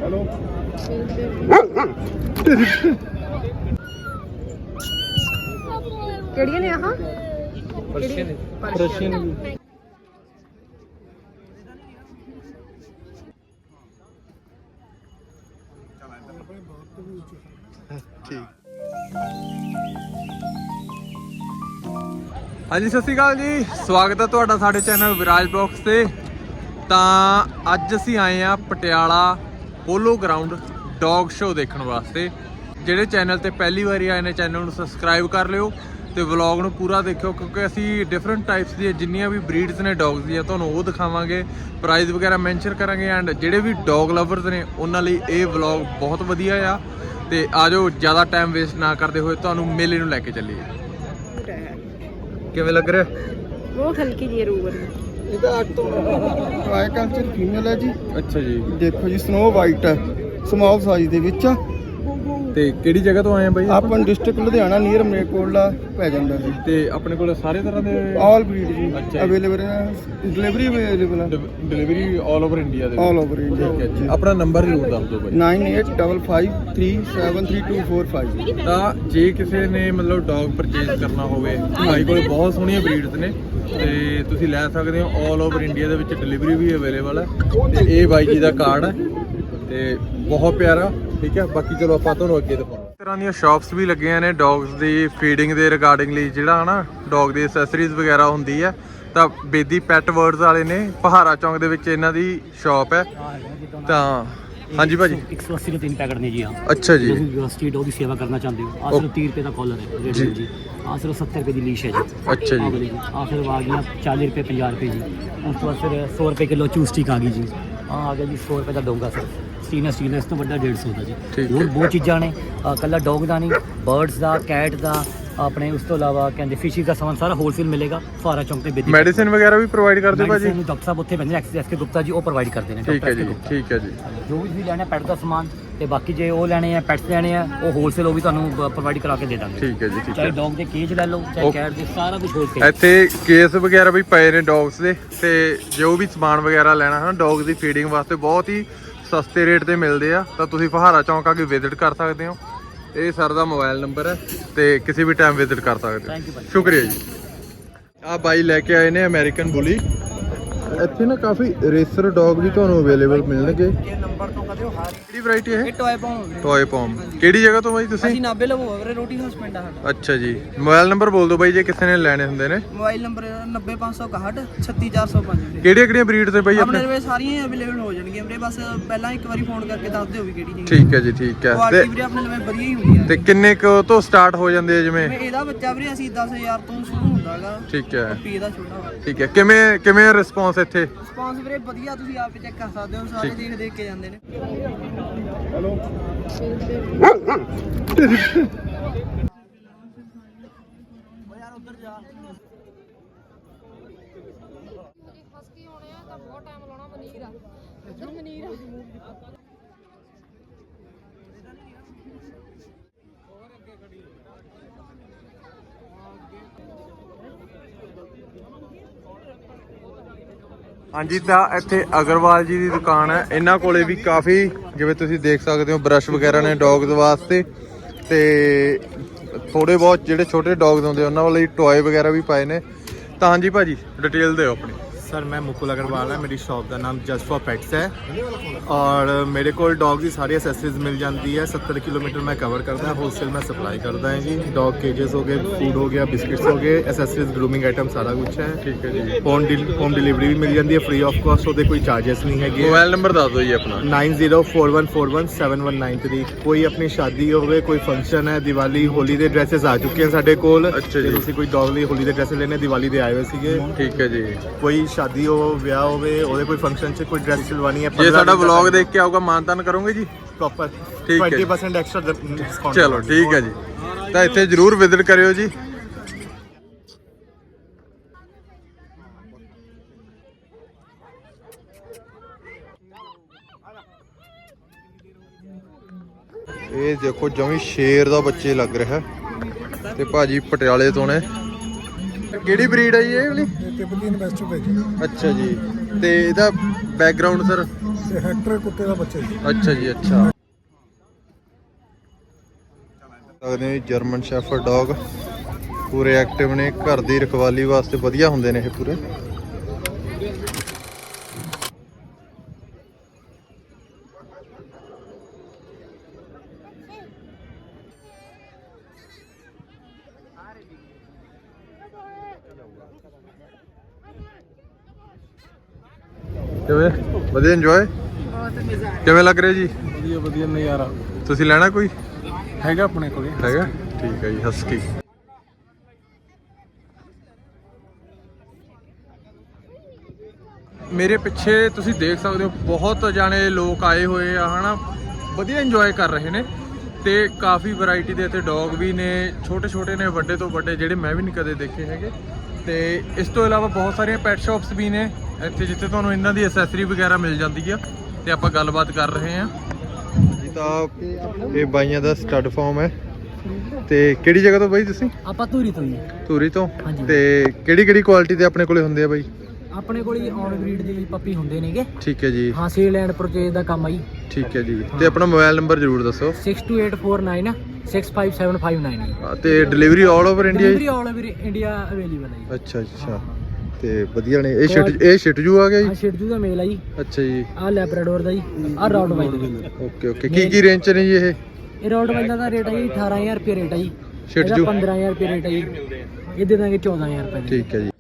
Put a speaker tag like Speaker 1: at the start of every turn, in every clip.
Speaker 1: ਕਿਹੜੀਆਂ ਨੇ ਆਹ
Speaker 2: ਰਸ਼ੀਅਨ ਠੀਕ। ਹਾਂਜੀ ਸਤਿ ਸ਼੍ਰੀ ਅਕਾਲ ਜੀ, ਸਵਾਗਤ ਹੈ ਤੁਹਾਡਾ ਸਾਡੇ ਚੈਨਲ ਵਿਰਾਜ ਬਲੌਗਸ ਤੇ। ਤਾਂ ਅੱਜ ਅਸੀਂ ਆਏ ਆ Patiala polo ground dog show ਦੇਖਣ ਵਾਸਤੇ। ਜਿਹੜੇ ਚੈਨਲ ਤੇ ਪਹਿਲੀ ਵਾਰੀ ਆਏ ਨੇ ਚੈਨਲ ਨੂੰ ਸਬਸਕ੍ਰਾਈਬ ਕਰ ਲਿਓ ਤੇ ਵਲੌਗ ਨੂੰ ਪੂਰਾ ਦੇਖਿਓ, ਕਿਉਂਕਿ ਅਸੀਂ ਡਿਫਰੈਂਟ ਟਾਈਪਸ ਦੀਆਂ ਜਿੰਨੀਆਂ ਵੀ ਬਰੀਡਸ ਨੇ ਡੌਗਸ ਦੀਆਂ ਤੁਹਾਨੂੰ ਉਹ ਦਿਖਾਵਾਂਗੇ, ਪ੍ਰਾਈਜ਼ ਵਗੈਰਾ ਮੈਂਸ਼ਨ ਕਰਾਂਗੇ। ਐਂਡ ਜਿਹੜੇ ਵੀ ਡੌਗ ਲਵਰਸ ਨੇ ਉਹਨਾਂ ਲਈ ਇਹ ਵਲੌਗ ਬਹੁਤ ਵਧੀਆ ਆ। ਤੇ ਆਜੋ ਜ਼ਿਆਦਾ ਟਾਈਮ ਵੇਸਟ ਨਾ ਕਰਦੇ ਹੋਏ ਤੁਹਾਨੂੰ ਮੇਲੇ ਨੂੰ ਲੈ ਕੇ ਚੱਲੀਏ। ਕਿਵੇਂ ਲੱਗ ਰਿਹਾ?
Speaker 1: ਬਹੁਤ ਹਲਕੀ ਜਿਹੀ ਰੂਹ ਹੈ।
Speaker 2: ਇਹਦਾ 8 ਤੋਂ ਟ੍ਰਾਈ ਕਲਚਰ ਫੀਮੇਲ ਹੈ ਜੀ। ਅੱਛਾ ਜੀ,
Speaker 3: ਦੇਖੋ ਜੀ ਸਨੋ ਵਾਈਟ ਹੈ, ਸਮਾਲ ਸਾਈਜ਼ ਦੇ ਵਿੱਚ ਆ।
Speaker 2: ਤੇ ਕਿਹੜੀ ਜਗ੍ਹਾ ਤੋਂ ਆਏ ਆ ਬਾਈ?
Speaker 3: ਆਪਾਂ ਡਿਸਟ੍ਰਿਕਟ ਲੁਧਿਆਣਾ ਨੀਅਰ ਮਲੇਰਕੋਟਲਾ ਪੈ ਜਾਂਦਾ ਜੀ।
Speaker 2: ਤੇ ਆਪਣੇ ਕੋਲ ਸਾਰੇ ਤਰ੍ਹਾਂ ਦੇ
Speaker 3: ਆਲ ਬਰੀਡ ਜੀ
Speaker 2: ਅੱਛਾ
Speaker 3: ਅਵੇਲੇਬਲ ਹੈ, ਡਿਲੀਵਰੀ ਅਵੇਲੇਬਲ ਹੈ,
Speaker 2: ਡਿਲੀਵਰੀ ਆਲ ਓਵਰ ਇੰਡੀਆ ਦੇ
Speaker 3: ਆਲ ਓਵਰ ਇੰਡੀਆ।
Speaker 2: ਠੀਕ ਹੈ ਜੀ, ਆਪਣਾ ਨੰਬਰ ਜ਼ਰੂਰ ਦੱਸ ਦਿਓ ਬਾਈ।
Speaker 3: 9855373245।
Speaker 2: ਤਾਂ ਜੇ ਕਿਸੇ ਨੇ ਮਤਲਬ ਡੌਗ ਪਰਚੇਜ਼ ਕਰਨਾ ਹੋਵੇ, ਭਾਈ ਕੋਲ ਬਹੁਤ ਸੋਹਣੀਆਂ ਬਰੀਡਸ ਨੇ ਤੇ ਤੁਸੀਂ ਲੈ ਸਕਦੇ ਹੋ। ਆਲ ਓਵਰ ਇੰਡੀਆ ਦੇ ਵਿੱਚ ਡਿਲੀਵਰੀ ਵੀ ਅਵੇਲੇਬਲ ਹੈ। ਤੇ ਇਹ ਬਾਈ ਜੀ ਦਾ ਕਾਰਡ ਹੈ ਤੇ ਬਹੁਤ ਪਿਆਰਾ। ਠੀਕ ਹੈ, ਬਾਕੀ ਚਲੋ ਆਪਾਂ ਤੁਹਾਨੂੰ ਅੱਗੇ ਦਿਖਾਉਂਦੇ। ਇਸ ਤਰ੍ਹਾਂ ਦੀਆਂ ਸ਼ਾਪਸ ਵੀ ਲੱਗੀਆਂ ਨੇ ਡੌਗਸ ਦੀ ਫੀਡਿੰਗ ਦੇ ਰਿਗਾਰਡਿੰਗ ਲਈ, ਜਿਹੜਾ ਹਨਾ ਡੌਗ ਦੀ ਐਕਸੈਸਰੀਜ਼ ਵਗੈਰਾ ਹੁੰਦੀ ਹੈ। ਤਾਂ ਬੇਦੀ ਪੈਟ ਵਰਡਸ ਵਾਲੇ ਨੇ ਪਹਾੜਾ ਚੌਂਕ ਦੇ ਵਿੱਚ ਇਹਨਾਂ ਦੀ ਸ਼ਾਪ ਹੈ। ਤਾਂ ਹਾਂਜੀ ਭਾਜੀ
Speaker 4: 180 ਦੇ 3 ਪੈਕਟ ਨੇ ਜੀ।
Speaker 2: ਅੱਛਾ ਜੀ,
Speaker 4: ਤੁਸੀਂ ਸਟਰੀਟ ਡੌਗ ਦੀ ਸੇਵਾ ਕਰਨਾ ਚਾਹੁੰਦੇ ਹੋ, ਆਹ ਸਿਰਫ 30 ਰੁਪਏ ਦਾ ਕਾਲਰ ਹੈ ਜੀ। ਆਹ ਸਿਰਫ 70 ਰੁਪਏ ਦੀ ਲੀਸ਼ ਹੈ ਜੀ।
Speaker 2: ਅੱਛਾ ਜੀ,
Speaker 4: ਆਹ ਫਿਰ ਆ ਗਈਆਂ 40 ਰੁਪਏ 50 ਰੁਪਏ ਜੀ। ਉਸ ਤੋਂ ਬਾਅਦ ਫਿਰ 100 ਰੁਪਏ ਕਿਲੋ ਚੂਸਟਿਕ ਆ ਗਈ ਜੀ। ਆਹ ਆ ਗਿਆ ਜੀ 100 ਰੁਪਏ ਦਾ ਡੋਂਗਾ ਸਰ, ਸਟੀਨਸ ਤੋਂ ਵੱਡਾ 150 ਦਾ ਜੀ। ਹੋਰ ਬਹੁਤ ਚੀਜ਼ਾਂ ਨੇ, ਕੱਲਾ ਡੌਗ ਦਾ ਨਹੀਂ, ਬਰਡਸ ਦਾ, ਕੈਟ ਦਾ, ਆਪਣੇ ਉਸ ਤੋਂ ਇਲਾਵਾ ਕਹਿੰਦੇ ਫਿਸ਼ਿਸ ਦਾ ਸਮਾਨ ਸਾਰਾ ਹੋਲਸੇਲ ਮਿਲੇਗਾ ਫੁਹਾਰਾ ਚੌਂਕ ਤੇ।
Speaker 2: ਮੈਡੀਸਿਨ ਵਗੈਰਾ ਵੀ ਪ੍ਰੋਵਾਈਡ ਕਰਦੇ ਭਾਜੀ?
Speaker 4: ਡਾਕਟਰ ਸਾਹਿਬ ਉੱਥੇ ਬੰਦੇ ਐਸ ਕੇ ਗੁਪਤਾ ਜੀ, ਉਹ ਪ੍ਰੋਵਾਈਡ ਕਰਦੇ ਨੇ।
Speaker 2: ਠੀਕ ਹੈ ਜੀ, ਠੀਕ ਹੈ ਜੀ।
Speaker 4: ਜੋ ਵੀ ਲੈਣਾ ਪੈਟ ਦਾ ਸਮਾਨ ਤੇ ਬਾਕੀ ਜੇ ਉਹ ਲੈਣੇ ਆ ਪੈਟਸ ਲੈਣੇ ਆ ਉਹ ਹੋਲਸੇਲ, ਉਹ ਵੀ ਤੁਹਾਨੂੰ ਪ੍ਰੋਵਾਈਡ ਕਰਾ ਕੇ ਦੇ ਦਾਂਗੇ।
Speaker 2: ਠੀਕ ਹੈ ਜੀ, ਠੀਕ ਹੈ।
Speaker 4: ਚਾਹੇ ਡੌਗ ਦੇ ਕੇਜ ਲੈ ਲਓ, ਚਾਹੇ ਕੈਟ ਦੇ, ਸਾਰਾ ਕੁਝ ਹੋਲਸੇਲ।
Speaker 2: ਇੱਥੇ ਕੇਸ ਵਗੈਰਾ ਵੀ ਪਏ ਨੇ ਡੌਗਸ ਦੇ, ਤੇ ਜੋ ਵੀ ਸਮਾਨ ਵਗੈਰਾ ਲੈਣਾ ਹੈ ਡੌਗ ਦੀ ਫੀਡਿੰਗ ਵਾਸਤੇ ਬਹੁਤ ਹੀ ਸਸਤੇ ਰੇਟ ਤੇ ਮਿਲਦੇ ਆ। ਤਾਂ ਤੁਸੀਂ ਫਹਾਰਾ ਚੌਂਕ ਆ ਕੇ ਵਿਜ਼ਿਟ ਕਰ ਸਕਦੇ ਹੋ। ਇਹ ਸਰ ਦਾ ਮੋਬਾਈਲ ਨੰਬਰ ਹੈ ਤੇ ਕਿਸੇ ਵੀ ਟਾਈਮ ਵਿਜ਼ਿਟ ਕਰ ਸਕਦੇ ਹੋ। ਸ਼ੁਕਰੀਆ ਜੀ। ਆਹ ਬਾਈ ਲੈ ਕੇ ਆਏ ਨੇ ਅਮਰੀਕਨ ਬੁਲੀ। ਇੱਥੇ ਨਾ ਕਾਫੀ ਰੇਸਰ ਡੌਗ ਵੀ ਤੁਹਾਨੂੰ ਅਵੇਲੇਬਲ ਮਿਲਣਗੇ। ਕਿਹੜੀ ਵੈਰਾਈਟੀ ਹੈ?
Speaker 5: Toy pom.
Speaker 2: Toy pom. ਕਿਹੜੀ ਜਗ੍ਹਾ ਤੋਂ ਬਾਈ ਤੁਸੀਂ?
Speaker 5: ਅਸੀਂ ਨਾਬੇ ਲਵੋ ਵੀਰੇ, ਰੋਟੀ ਹਾਊਸ ਪਿੰਡ ਆ ਸਾਡਾ।
Speaker 2: ਅੱਛਾ ਜੀ, ਮੋਬਾਈਲ ਨੰਬਰ ਬੋਲ ਦਿਓ ਬਾਈ ਜੇ ਕਿਸੇ ਨੇ ਲੈਣੇ ਹੁੰਦੇ ਨੇ।
Speaker 5: Mobile number 90561 36405।
Speaker 2: ਕਿਹੜੀਆਂ ਬਰੀਡ ਤੇ ਬਾਈ
Speaker 5: ਆਪਣੇ ਕੋਲ ਸਾਰੀਆਂ ਅਵੇਲੇਬਲ ਹੋ ਜਾਣਗੀਆਂ ਵੀਰੇ, ਬਸ ਪਹਿਲਾਂ ਇੱਕ ਵਾਰੀ ਫੋਨ ਕਰਕੇ ਦੱਸ ਦਿਓ ਵੀ ਕਿਹੜੀ ਨਹੀਂ।
Speaker 2: ਠੀਕ ਹੈ ਜੀ, ਠੀਕ ਹੈ।
Speaker 5: ਕੁਆਲਿਟੀ ਵੀਰੇ ਆਪਣੇ ਲਈ ਵਧੀਆ ਹੀ ਹੁੰਦੀ ਹੈ।
Speaker 2: ਤੇ ਕਿੰਨੇ ਕੁ ਤੋਂ ਸਟਾਰਟ ਹੋ ਜਾਂਦੇ ਆ? ਜਿਵੇਂ
Speaker 5: ਇਹਦਾ ਬੱਚਾ ਵੀਰੇ ਅਸੀਂ 10000 ਤੋਂ ਸ਼ੁਰੂ ਹੁੰਦਾਗਾ।
Speaker 2: ਠੀਕ ਹੈ,
Speaker 5: ਪੀ ਦਾ ਛੋਟਾ ਵਾ।
Speaker 2: ਠੀਕ ਹੈ। ਕਿਵੇਂ ਰਿਸਪੌਂਸ ਇੱਥੇ?
Speaker 5: ਰਿਸਪੌਂਸ ਵੀਰੇ ਵਧੀਆ, ਤੁਸੀਂ ਆਪ ਚੈੱਕ ਕਰ ਸਕਦੇ ਹੋ, ਸਾਰੇ ਦੇਖ ਕੇ ਜਾਂਦੇ ਨੇ।
Speaker 2: ਹਾਂਜੀ, ਤਾਂ ਇੱਥੇ ਅਗਰਵਾਲ ਜੀ ਦੀ ਦੁਕਾਨ ਹੈ। ਇਹਨਾਂ ਕੋਲੇ ਵੀ ਕਾਫੀ, ਜਿਵੇਂ ਤੁਸੀਂ ਦੇਖ ਸਕਦੇ ਹੋ, ਬਰਸ਼ ਵਗੈਰਾ ਨੇ ਡੌਗਸ ਵਾਸਤੇ। ਤੇ ਥੋੜੇ ਬਹੁਤ ਜਿਹੜੇ ਛੋਟੇ ਡੌਗਸ ਹੁੰਦੇ ਉਹਨਾਂ ਵਾਲੇ ਟੌਏ ਵਗੈਰਾ ਵੀ ਪਾਏ ਨੇ। ਤਾਂ ਹਾਂਜੀ ਭਾਜੀ डिटेल दो अपनी।
Speaker 6: सर मैं मुकुल अग्रवाल है, मेरी शॉप का नाम जस्ट फॉर पेट्स है और मेरे को डॉग की सारी एसेसरीज मिल जाती है। 70 किलोमीटर मैं कवर करता है, होलसेल में सप्लाई करता है जी। डॉग केजेस हो गए, फूड हो गया, बिस्किट्स हो गए, एसेसरीज ग्रूमिंग आइटम सारा कुछ है।
Speaker 2: ठीक है जी।
Speaker 6: होम डिलीवरी भी मिल जाती है फ्री ऑफ कॉस्ट, वो कोई चार्जेस नहीं है।
Speaker 2: मोबाइल नंबर दस दो जी अपना।
Speaker 6: 9041417193। कोई अपनी शादी हो गए, कोई फंक्शन है, दिवाली होली के ड्रेसेस आ चुके हैं साढ़े कोल।
Speaker 2: अच्छा जी।
Speaker 6: कोई डॉग लिए होली के ड्रेस लेने दिवाली के आए हुए थे।
Speaker 2: ठीक है जी।
Speaker 6: कोई शादी हो, ਵਿਆਹ ਹੋਵੇ, ਉਹਦੇ ਕੋਈ ਫੰਕਸ਼ਨ 'ਚ ਕੋਈ ਡਰੈਸ ਸਿਲਵਾਣੀ ਹੈ,
Speaker 2: ਜੇ ਸਾਡਾ ਵਲੌਗ ਦੇਖ ਕੇ ਆਊਗਾ ਮਾਨਤਾਨ ਕਰੋਗੇ ਜੀ?
Speaker 6: ਪ੍ਰੋਪਰ
Speaker 2: ਠੀਕ ਹੈ,
Speaker 6: 20% ਐਕਸਟਰਾ ਡਿਸਕਾਊਂਟ।
Speaker 2: ਚਲੋ ਠੀਕ ਹੈ ਜੀ। ਤਾਂ ਇੱਥੇ ਜ਼ਰੂਰ ਵਿਜ਼ਿਟ ਕਰਿਓ ਜੀ। ਇਹ ਦੇਖੋ ਜਮੀ ਸ਼ੇਰ ਦਾ ਬੱਚੇ ਲੱਗ ਰਿਹਾ ਤੇ ਭਾਜੀ ਪਟਿਆਲੇ ਤੋਂ ਨੇ। ਕਿਹੜੀ ਬਰੀਡ ਹੈ ਜੀ ਇਹ ਵਾਲੀ?
Speaker 3: ਤਿਬੇਤੀਅਨ ਵੈਸਟ ਪੈਜ।
Speaker 2: ਅੱਛਾ ਜੀ। ਤੇ ਇਹਦਾ ਬੈਕਗ੍ਰਾਉਂਡ ਸਰ?
Speaker 7: ਤੇ ਹੈਕਟਰ ਕੁੱਤੇ ਦਾ ਬੱਚਾ ਜੀ।
Speaker 2: ਅੱਛਾ ਜੀ, ਅੱਛਾ। ਸਕਦੇ ਹੋ ਜਰਮਨ ਸ਼ੈਫਰਡ ਡੌਗ, ਪੂਰੇ ਐਕਟਿਵ ਨੇ, ਘਰ ਦੀ ਰਖਵਾਲੀ ਵਾਸਤੇ ਵਧੀਆ ਹੁੰਦੇ ਨੇ ਇਹ ਪੂਰੇ। ਕਿਵੇਂ ਵਧੀਆ ਇੰਜੋਏ?
Speaker 1: ਬਹੁਤ ਮਜ਼ਾ ਆਇਆ।
Speaker 2: ਕਿਵੇਂ ਲੱਗ ਰਿਹਾ ਜੀ?
Speaker 7: ਵਧੀਆ ਵਧੀਆ ਨਜ਼ਾਰਾ
Speaker 2: ਤੁਸੀਂ ਲੈਣਾ ਕੋਈ?
Speaker 7: ਹੈਗਾ ਆਪਣੇ ਕੋਲੇ।
Speaker 2: ਹੈਗਾ, ਠੀਕ ਹੈ ਜੀ। ਹਸਕੀ ਮੇਰੇ ਪਿੱਛੇ ਤੁਸੀਂ ਦੇਖ ਸਕਦੇ ਹੋ, ਬਹੁਤ ਜਾਣੇ ਲੋਕ ਆਏ ਹੋਏ ਆ ਹਨਾ, ਵਧੀਆ ਇੰਜੋਏ ਕਰ ਰਹੇ ਨੇ। ਤੇ ਕਾਫੀ ਵੈਰਾਈਟੀ ਦੇ ਇੱਥੇ ਡੌਗ ਵੀ ਨੇ, ਛੋਟੇ ਛੋਟੇ ਨੇ, ਵੱਡੇ ਤੋਂ ਵੱਡੇ, ਜਿਹੜੇ ਮੈਂ ਵੀ ਨਹੀਂ ਕਦੇ ਦੇਖੇ ਹੈਗੇ। ਤੇ ਇਸ ਤੋਂ ਇਲਾਵਾ ਬਹੁਤ ਸਾਰੀਆਂ ਪੈਟ ਸ਼ਾਪਸ ਵੀ ਨੇ ਇੱਥੇ, ਜਿੱਥੇ ਤੁਹਾਨੂੰ ਇਹਨਾਂ ਦੀ ਐਸੈਸਰੀ ਵਗੈਰਾ ਮਿਲ ਜਾਂਦੀ ਆ। ਤੇ ਆਪਾਂ ਗੱਲਬਾਤ ਕਰ ਰਹੇ ਹਾਂ ਜੀ। ਤਾਂ ਇਹ ਬਾਈਆਂ ਦਾ ਸਟੱਡ ਫਾਰਮ ਹੈ। ਤੇ ਕਿਹੜੀ ਜਗ੍ਹਾ ਤੋਂ ਬਾਈ ਤੁਸੀਂ?
Speaker 4: ਆਪਾਂ ਧੂਰੀ ਤੋਂ ਜੀ।
Speaker 2: ਧੂਰੀ ਤੋਂ।
Speaker 4: ਹਾਂਜੀ।
Speaker 2: ਤੇ ਕਿਹੜੀ ਕੁਆਲਿਟੀ ਦੇ ਆਪਣੇ ਕੋਲੇ ਹੁੰਦੇ ਆ ਬਾਈ?
Speaker 4: ਆਪਣੇ ਕੋਲ ਹੀ ਔਨ ਬਰੀਡ ਦੇ ਵੀ ਪੱਪੀ ਹੁੰਦੇ ਨੇਗੇ।
Speaker 2: ਠੀਕ ਹੈ ਜੀ।
Speaker 4: ਹਾਂ, ਸੇਲ ਐਂਡ ਪਰਚੇਜ ਦਾ ਕੰਮ ਆ ਜੀ।
Speaker 2: ਠੀਕ ਹੈ ਜੀ। ਤੇ ਆਪਣਾ ਮੋਬਾਈਲ ਨੰਬਰ ਜ਼ਰੂਰ ਦੱਸੋ।
Speaker 4: 6284965759 65759।
Speaker 2: ਤੇ delivery all over India?
Speaker 4: Delivery all over India available ਹੈ ਜੀ।
Speaker 2: ਅੱਛਾ ਅੱਛਾ। ਤੇ ਵਧੀਆ ਨੇ। ਇਹ ਸ਼ਿਟਜੂ ਆ ਗਿਆ ਜੀ?
Speaker 4: ਆ ਸ਼ਿਟਜੂ ਦਾ ਮੇਲ ਆ ਜੀ।
Speaker 2: ਅੱਛਾ ਜੀ।
Speaker 4: ਆ ਲੈਬਰਾਡੋਰ ਦਾ ਜੀ। ਆ ਰੌਟਵਾਈਲਰ।
Speaker 2: Okay okay. ਕੀ ਰੇਂਜ ਚ ਨੇ ਜੀ ਇਹ?
Speaker 4: ਇਹ ਰੌਟਵਾਈਲਰ ਦਾ ਰੇਟ ਹੈ ਜੀ 18000 ਰੁਪਏ ਰੇਟ ਹੈ ਜੀ।
Speaker 2: ਸ਼ਿਟਜੂ
Speaker 4: 15000 ਰੁਪਏ ਰੇਟ ਹੈ ਜੀ। ਇਹ ਦੇ ਦਾਂਗੇ 14000 ਰੁਪਏ।
Speaker 2: ਠੀਕ ਹੈ ਜੀ।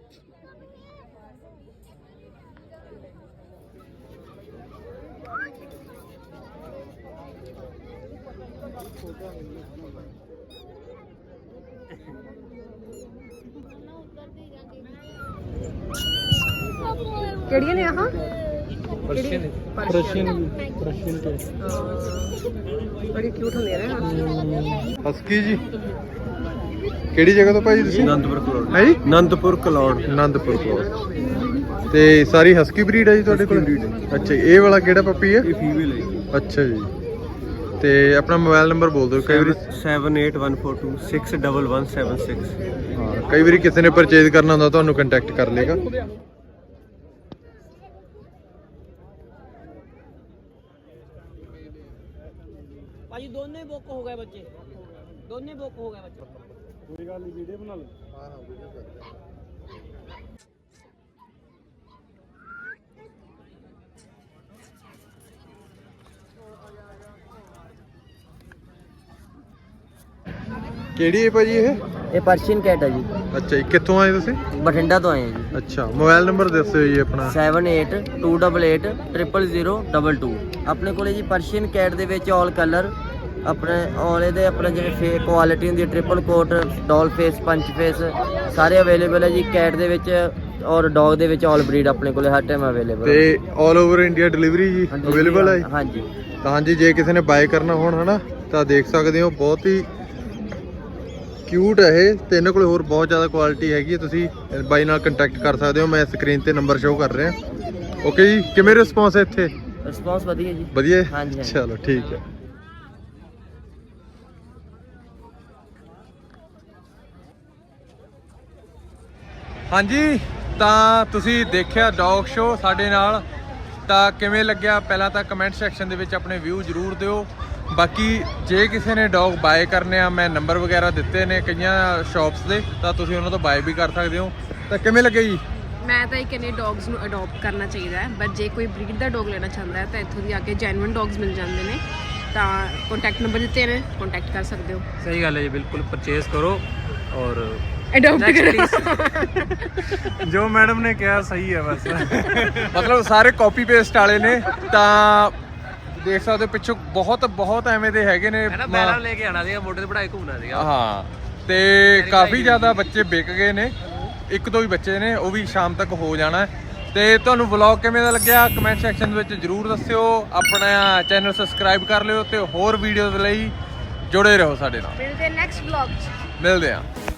Speaker 1: ਕਿਹੜੀਆਂ ਨੇ ਆਹ?
Speaker 7: ਪਰਸ਼ੀਅਨ
Speaker 1: ਬੜੀ ਕਿਊਟ ਹੁੰਦੀਆਂ ਨੇ।
Speaker 2: ਹਸਕੀ ਜੀ ਕਿਹੜੀ ਜਗ੍ਹਾ ਤੋਂ ਭਾਈ ਤੁਸੀਂ?
Speaker 7: ਆਨੰਦਪੁਰ ਕਲੌੜ।
Speaker 2: ਹੈ ਜੀ?
Speaker 7: ਆਨੰਦਪੁਰ ਕਲੌੜ।
Speaker 2: ਆਨੰਦਪੁਰ ਕਲੌੜ। ਤੇ ਸਾਰੀ ਹਸਕੀ ਬਰੀਡ ਹੈ ਜੀ ਤੁਹਾਡੇ ਕੋਲ? ਅੱਛਾ। ਇਹ ਵਾਲਾ ਕਿਹੜਾ ਪੱਪੀ ਹੈ?
Speaker 7: ਇਹ ਫੀਮੇਲ ਹੈ।
Speaker 2: ਅੱਛਾ ਜੀ। ਤੇ ਆਪਣਾ ਮੋਬਾਈਲ ਨੰਬਰ ਬੋਲ ਦਿਓ। ਕਈ ਵਾਰੀ
Speaker 7: 7814261176।
Speaker 2: ਹਾਂ, ਕਈ ਵਾਰੀ ਕਿਸੇ ਨੇ ਪਰਚੇਜ਼ ਕਰਨਾ ਹੁੰਦਾ ਤੁਹਾਨੂੰ ਕੰਟੈਕਟ ਕਰ ਲੇਗਾ।
Speaker 4: ਭਾਜੀ ਦੋਨੇ ਬੁੱਕ ਹੋ ਗਏ ਬੱਚੇ, ਦੋਨੇ ਬੁੱਕ ਹੋ ਗਏ ਬੱਚੇ।
Speaker 7: ਕੋਈ ਗੱਲ ਨਹੀਂ, ਵੀਡੀਓ ਬਣਾ ਲਓ।
Speaker 2: ਹਾਂ ਹਾਂ, ਵੀਡੀਓ ਕਰ। ਕਿਹੜੀ ਹੈ ਭਾਜੀ ਇਹ?
Speaker 5: ਇਹ ਪਰਸ਼ੀਅਨ ਕੈਟ ਹੈ ਜੀ।
Speaker 2: ਅੱਛਾ ਜੀ। ਕਿੱਥੋਂ ਆਏ ਤੁਸੀਂ?
Speaker 5: ਬਠਿੰਡਾ ਤੋਂ ਆਏ ਹਾਂ ਜੀ।
Speaker 2: ਅੱਛਾ। ਮੋਬਾਈਲ ਨੰਬਰ ਦੱਸਿਓ ਜੀ ਆਪਣਾ।
Speaker 5: 7828880022। ਆਪਣੇ ਕੋਲੇ ਜੀ ਪਰਸ਼ੀਅਨ ਕੈਟ ਦੇ ਵਿੱਚ ਆਲ ਕਲਰ ਆਪਣੇ ਔਲੇ ਦੇ ਆਪਣੇ ਜਿਹੜੇ ਕੁਆਲਿਟੀ ਹੁੰਦੀ ਹੈ, triple coat, doll face, punch face, ਸਾਰੇ ਅਵੇਲੇਬਲ ਹੈ ਜੀ ਕੈਟ ਦੇ ਵਿੱਚ। ਔਰ ਡੌਗ ਦੇ ਵਿੱਚ ਆਲ ਬਰੀਡ ਆਪਣੇ ਕੋਲੇ ਹਰ ਟਾਈਮ ਅਵੇਲੇਬਲ।
Speaker 2: ਤੇ ਆਲ ਓਵਰ ਇੰਡੀਆ ਡਿਲੀਵਰੀ ਜੀ ਅਵੇਲੇਬਲ ਹੈ?
Speaker 5: ਹਾਂਜੀ।
Speaker 2: ਤਾਂ ਹਾਂਜੀ, ਜੇ ਕਿਸੇ ਨੇ ਬਾਏ ਕਰਨਾ ਹੋਣ ਹਨਾ, ਤਾਂ ਦੇਖ ਸਕਦੇ ਹੋ। ਬਹੁਤ ਹੀ ਕਿਊਟ ਹੈ ਇਹ। ਤੇ ਇਹਨਾਂ ਕੋਲ ਹੋਰ ਬਹੁਤ ਜ਼ਿਆਦਾ ਕੁਆਲਿਟੀ ਹੈਗੀ ਹੈ। ਤੁਸੀਂ ਬਾਈ ਨਾਲ ਕੰਟੈਕਟ ਕਰ ਸਕਦੇ ਹੋ। ਮੈਂ ਸਕਰੀਨ ਤੇ ਨੰਬਰ ਸ਼ੋਅ ਕਰ ਰਿਹਾ। ਓਕੇ ਜੀ। ਕਿਵੇਂ ਰਿਸਪੌਂਸ ਹੈ ਇੱਥੇ?
Speaker 5: ਰਿਸਪੌਂਸ ਵਧੀਆ ਜੀ।
Speaker 2: ਵਧੀਆ ਹੈ?
Speaker 5: ਹਾਂਜੀ।
Speaker 2: ਚਲੋ ਠੀਕ ਹੈ। ਹਾਂਜੀ, ਤਾਂ ਤੁਸੀਂ ਦੇਖਿਆ ਡੌਗ ਸ਼ੋ ਸਾਡੇ ਨਾਲ। ਤਾਂ ਕਿਵੇਂ ਲੱਗਿਆ ਪਹਿਲਾਂ ਤਾਂ ਕਮੈਂਟ ਸੈਕਸ਼ਨ ਦੇ ਵਿੱਚ ਆਪਣੇ ਵਿਊ ਜ਼ਰੂਰ ਦਿਓ। ਬਾਕੀ ਜੇ ਕਿਸੇ ਨੇ ਡੌਗ ਬਾਏ ਕਰਨੇ ਆ, ਮੈਂ ਨੰਬਰ ਵਗੈਰਾ ਦਿੱਤੇ ਨੇ ਕਈਆਂ ਸ਼ਾਪਸ ਦੇ, ਤਾਂ ਤੁਸੀਂ ਉਹਨਾਂ ਤੋਂ ਬਾਏ ਵੀ ਕਰ ਸਕਦੇ ਹੋ। ਤਾਂ ਕਿਵੇਂ ਲੱਗੇ ਜੀ?
Speaker 1: ਮੈਂ ਤਾਂ ਇਹ ਕਹਿੰਦੀ ਡੌਗਸ ਨੂੰ ਅਡਾਪਟ ਕਰਨਾ ਚਾਹੀਦਾ ਹੈ, ਬਟ ਜੇ ਕੋਈ ਬਰੀਡ ਦਾ ਡੌਗ ਲੈਣਾ ਚਾਹੁੰਦਾ ਹੈ ਤਾਂ ਇੱਥੋਂ ਦੀ ਆ ਕੇ ਜੈਨੂਇਨ ਡੌਗਸ ਮਿਲ ਜਾਂਦੇ ਨੇ। ਤਾਂ ਕੰਟੈਕਟ ਨੰਬਰ ਦਿੱਤੇ ਨੇ, ਕੰਟੈਕਟ ਕਰ ਸਕਦੇ ਹੋ।
Speaker 8: ਸਹੀ ਗੱਲ ਹੈ ਜੀ, ਬਿਲਕੁਲ ਪਰਚੇਸ ਕਰੋ ਔਰ
Speaker 1: ਅਡਾਪਟ ਕਰੋ।
Speaker 8: ਜੋ ਮੈਡਮ ਨੇ ਕਿਹਾ ਸਹੀ ਹੈ ਬਸ।
Speaker 2: ਮਤਲਬ ਸਾਰੇ ਕਾਪੀ ਪੇਸਟ ਵਾਲੇ ਨੇ। ਤਾਂ ਦੇਖ ਸਕਦੇ ਹੋ ਪਿੱਛੋਂ ਬਹੁਤ ਐਵੇਂ ਦੇ ਹੈਗੇ ਨੇ।
Speaker 8: ਮੈਡਮ ਲੈ ਕੇ ਆਣਾ ਸੀਗਾ, ਮੋਢੇ ਤੇ ਪੜਾਈ ਘੁੰਮਣਾ ਸੀਗਾ।
Speaker 2: ਹਾਂ। ਤੇ ਕਾਫੀ ਜ਼ਿਆਦਾ ਬੱਚੇ ਵਿਕ ਗਏ ਨੇ। ਇੱਕ ਦੋ ਹੀ ਬੱਚੇ ਨੇ, ਉਹ ਵੀ ਸ਼ਾਮ ਤੱਕ ਹੋ ਜਾਣਾ। ਤੇ ਤੁਹਾਨੂੰ ਵਲੌਗ ਕਿਵੇਂ ਦਾ ਲੱਗਿਆ ਕਮੈਂਟ ਸੈਕਸ਼ਨ ਵਿੱਚ ਜ਼ਰੂਰ ਦੱਸਿਓ। ਆਪਣਾ ਚੈਨਲ ਸਬਸਕ੍ਰਾਈਬ ਕਰ ਲਿਓ ਤੇ ਹੋਰ ਵੀਡੀਓਜ਼ ਲਈ ਜੁੜੇ ਰਹੋ ਸਾਡੇ ਨਾਲ।
Speaker 1: ਮਿਲਦੇ ਨੈਕਸਟ ਵਲੌਗ 'ਚ।
Speaker 2: ਮਿਲਦੇ ਹਾਂ।